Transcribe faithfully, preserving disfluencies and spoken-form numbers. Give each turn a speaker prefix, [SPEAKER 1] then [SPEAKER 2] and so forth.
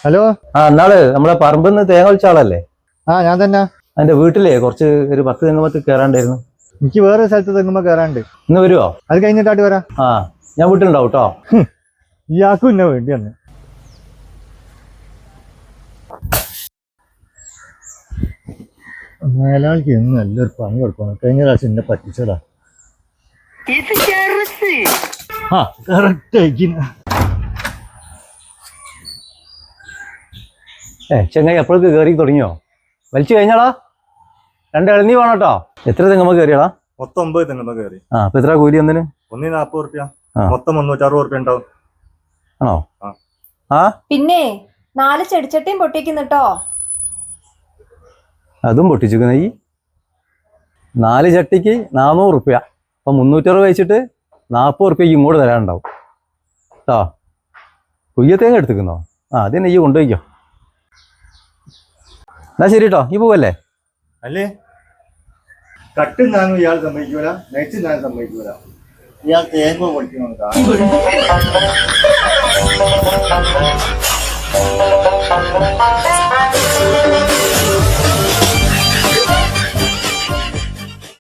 [SPEAKER 1] Hello.
[SPEAKER 2] ആ എന്നാള് നമ്മളെ പറമ്പിന്ന് തേങ്ങ വലിച്ച ആളല്ലേ?
[SPEAKER 1] ആ ഞാൻ തന്നെ.
[SPEAKER 2] അതിന്റെ വീട്ടിലേ കുറച്ച് ഒരു പത്ത് തെങ്ങുമ്പത്ത് കയറാണ്ടായിരുന്നു.
[SPEAKER 1] എനിക്ക് വേറെ സ്ഥലത്ത് തെങ്ങുമ്പോ കയറാണ്ട്.
[SPEAKER 2] ഇന്ന് വരുവോ?
[SPEAKER 1] അത് കഴിഞ്ഞിട്ടാട്ട് വരാം.
[SPEAKER 2] ആ ഞാൻ വീട്ടിലുണ്ടാവും കേട്ടോ.
[SPEAKER 1] ഇയാൾക്കും ഇന്നെ വേണ്ടി വന്ന്. മേലാളിക്ക് എന്ന് നല്ലൊരു പണി കൊടുക്കണം. കഴിഞ്ഞ പ്രാവശ്യം എന്നെ പറ്റിച്ചതാ. ആ കറക്റ്റ് ആയിക്കിന്.
[SPEAKER 2] ഏ ചെങ്ങായി എപ്പോഴേക്ക് കയറി തുടങ്ങിയോ? വലിച്ചു കഴിഞ്ഞാടാ. രണ്ട് ഇളനീ വേണം കേട്ടോ. എത്ര തെങ്ങുമ്പോ കയറിയാടാ?
[SPEAKER 1] മൊത്തം ഒമ്പത് തെങ്ങുമ്പോ കയറി.
[SPEAKER 2] ആ അപ്പൊ എത്ര കൂലി ഒന്നിന്?
[SPEAKER 1] ഒന്നിന് നാപ്പത് റുപ്യ. മൊത്തം മുന്നൂറ്റി അറുപത് റുപ്യ ഉണ്ടാവും.
[SPEAKER 2] ആണോ? ആ
[SPEAKER 3] പിന്നെ നാല് ചെടിച്ചട്ടിയും പൊട്ടിക്കുന്നുട്ടോ.
[SPEAKER 2] അതും പൊട്ടിച്ചിരിക്കുന്ന ഈ നാല് ചട്ടിക്ക് നാനൂറ് റുപ്യ. അപ്പൊ മുന്നൂറ്ററുപത് വെച്ചിട്ട് നാൽപ്പത് റുപ്യക്ക് ഇങ്ങോട്ട് തരാനുണ്ടാവും കേട്ടോ. കുയ്യത്തേങ്ങ എടുത്തിക്കുന്നോ? ആ അതിനെ ഈ കൊണ്ടുപോയിക്കോ. എന്നാ ശരി കേട്ടോ. ഈ പോവല്ലേ?
[SPEAKER 1] അല്ലേ കട്ടും ഞാനും ഇയാൾ സമ്മതിക്കൂല, നെച്ചും ഞാൻ സമ്മതിക്കൂല. ഇയാൾ തേങ്ങ പൊളിക്കണം.